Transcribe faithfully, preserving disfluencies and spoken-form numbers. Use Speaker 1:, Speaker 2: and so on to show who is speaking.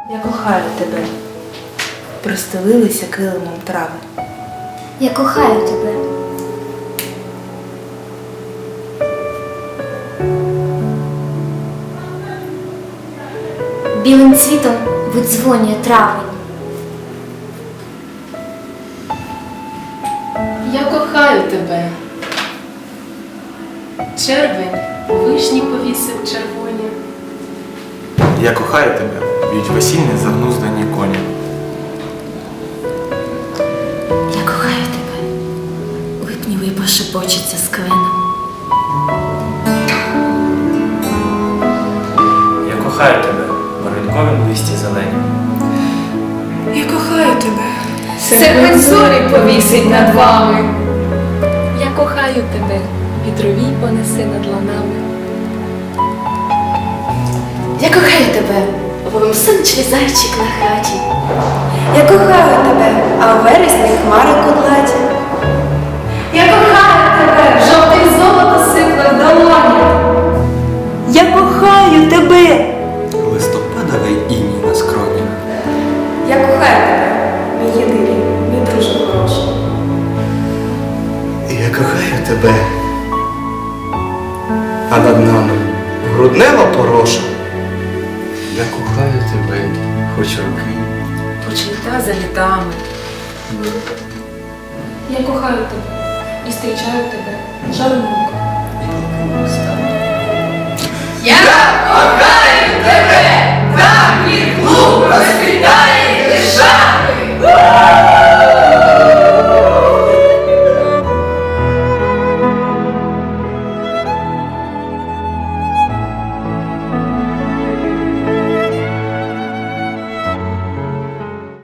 Speaker 1: Я кохаю тебе. Простелилися килимом трави.
Speaker 2: Я кохаю тебе. Білим цвітом видзвонює травень.
Speaker 3: Я кохаю тебе. Червень вишні повісив червоні.
Speaker 4: Я кохаю тебе, б'ють весільні загнуздані коні.
Speaker 2: Я кохаю тебе. Липні випа шепочеться з кленом.
Speaker 5: Я кохаю тебе, в барвінковім листі зелені.
Speaker 1: Я кохаю тебе.
Speaker 3: Серпень зорі повісить над вами.
Speaker 6: Я кохаю тебе, вітровій понесе над ланами.
Speaker 2: Я кохаю тебе, воломсинчий зайчик на хаті.
Speaker 7: Я кохаю тебе, а у вересні хмари кудлаті.
Speaker 3: Я кохаю тебе, жовтий золото сипле в долоні.
Speaker 7: Я кохаю тебе.
Speaker 4: Листопадовий іній на скронях.
Speaker 7: Я кохаю тебе, мій єдиний, мій друже хороший.
Speaker 8: Я кохаю тебе, а над нами груднева пороша. Я кохаю тебе, хоч роки.
Speaker 3: Хоч літа за літами.
Speaker 6: Я кохаю тебе і зустрічаю тебе жаром.
Speaker 8: Стане